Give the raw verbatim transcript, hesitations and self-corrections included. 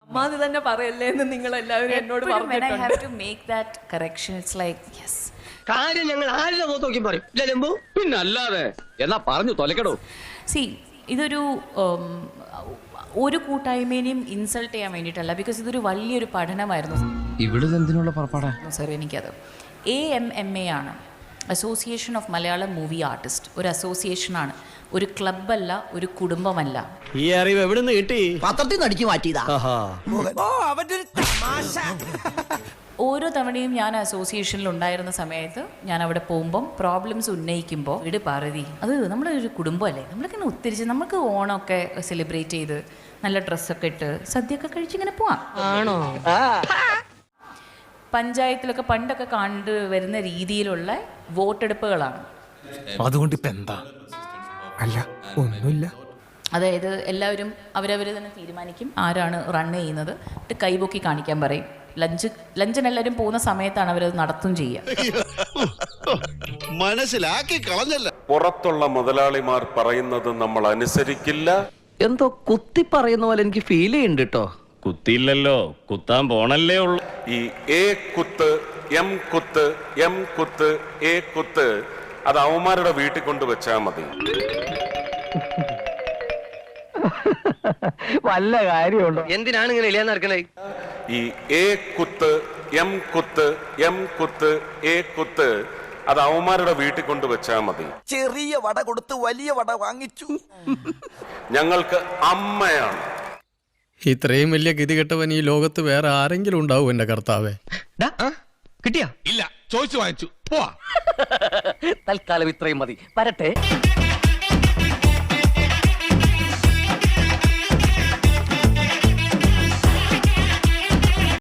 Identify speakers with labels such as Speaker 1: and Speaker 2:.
Speaker 1: മാതി തന്നെ പറയല്ലേ എന്ന് നിങ്ങൾ എല്ലാവരും എന്നോട്
Speaker 2: When I have to make that correction, it's like, yes.
Speaker 3: കാര്യം ഞങ്ങൾ ആരുടെ മുഖത്ത് നോക്കി പറയും ലംബു
Speaker 4: പിന്നെ അല്ലാതെ എന്നാ പറഞ്ഞു തൊലക്കടോ.
Speaker 2: സി ഇതൊരു ഉം, ഒരു കൂട്ടായ്മേനെയും ഇൻസൾട്ട് ചെയ്യാൻ വേണ്ടിയിട്ടല്ല, ബിക്കോസ് ഇതൊരു വലിയൊരു പഠനമായിരുന്നു
Speaker 4: ഇവിടെ എന്തിനുള്ള പുറപ്പാടാ
Speaker 2: സാർ. എനിക്കത് എ എം എം എ ആണ്, association of Malayalam movie artist. ഒരു അസോസിയേഷനാണ്, ഒരു ക്ലബ്ബല്ല, ഒരു കുടുംബമല്ല.
Speaker 3: ഈ അറിവ് എവിടെ നിന്ന് കിട്ടി?
Speaker 5: പത്രത്തിൽ നിന്ന് അടിച്ചു മാറ്റിയതാ.
Speaker 2: ഓരോ തവണയും ഞാൻ അസോസിയേഷനിൽ ഉണ്ടായിരുന്ന സമയത്ത് ഞാൻ അവിടെ പോകുമ്പം പ്രോബ്ലംസ് ഉന്നയിക്കുമ്പോൾ വീട് പാർവതി, അത് നമ്മളൊരു കുടുംബമല്ലേ, നമ്മളൊക്കെ ഒത്തിരിച്ച് നമുക്ക് ഓണമൊക്കെ സെലിബ്രേറ്റ് ചെയ്ത് നല്ല ഡ്രസ്സൊക്കെ ഇട്ട് സദ്യയൊക്കെ കഴിച്ചിങ്ങനെ പോവാം.
Speaker 3: ആണോ?
Speaker 2: പഞ്ചായത്തിലൊക്കെ പണ്ടൊക്കെ കണ്ടു വരുന്ന രീതിയിലുള്ള വോട്ടെടുപ്പുകളാണ്.
Speaker 6: അതുകൊണ്ട് ഇപ്പൊ എന്താ? അല്ല ഒന്നുമില്ല.
Speaker 2: അതായത് എല്ലാവരും അവരവർ തന്നെ തീരുമാനിക്കും ആരാണ് റൺ ചെയ്യുന്നത്, എന്നിട്ട് കൈപൊക്കി കാണിക്കാൻ പറയും. ലഞ്ച് ലഞ്ചിന് എല്ലാവരും പോകുന്ന സമയത്താണ് അവരത് നടത്തും ചെയ്യുക.
Speaker 7: മനസ്സിലാക്കി കളഞ്ഞല്ല.
Speaker 8: പുറത്തുള്ള മുതലാളിമാർ പറയുന്നത് നമ്മൾ അനുസരിക്കില്ല.
Speaker 5: എന്തോ കുത്തി പറയുന്ന പോലെ എനിക്ക് ഫീൽ ചെയ്യുന്നുണ്ട് കേട്ടോ.
Speaker 4: കുത്തിയില്ലല്ലോ, കുത്താൻ പോണല്ലേ ഉള്ളു.
Speaker 8: ഈ എ കുത്ത്, എം കുത്ത്, എം കുത്ത്, എ കുത്ത് അത് അവന്മാരുടെ വീട്ടിൽ കൊണ്ട് വെച്ചാൽ മതി.
Speaker 3: വല്ല കാര്യമുണ്ടോ? എന്തിനാണ് ഇങ്ങനെ ഇല്ലാന്ന് നടക്കണേ?
Speaker 8: ഈ എ കുത്ത്, എം കുത്ത്, എം കുത്ത്, എ കുത്ത് അത് അവന്മാരുടെ വീട്ടിൽ കൊണ്ട് വെച്ചാൽ മതി.
Speaker 7: ചെറിയ വട കൊടുത്ത് വലിയ വട വാങ്ങിച്ചു.
Speaker 8: ഞങ്ങൾക്ക് അമ്മയാണ്.
Speaker 6: ഇത്രയും വലിയ ഗതികെട്ടവൻ ഈ ലോകത്ത് വേറെ ആരെങ്കിലും ഉണ്ടാവും എന്റെ കർത്താവേ?
Speaker 3: കിട്ടിയാ?
Speaker 7: ഇല്ല, ചോദിച്ചു വാങ്ങിച്ചു. പോവാ.
Speaker 5: തൽക്കാലം ഇത്രയും മതി. വരട്ടെ.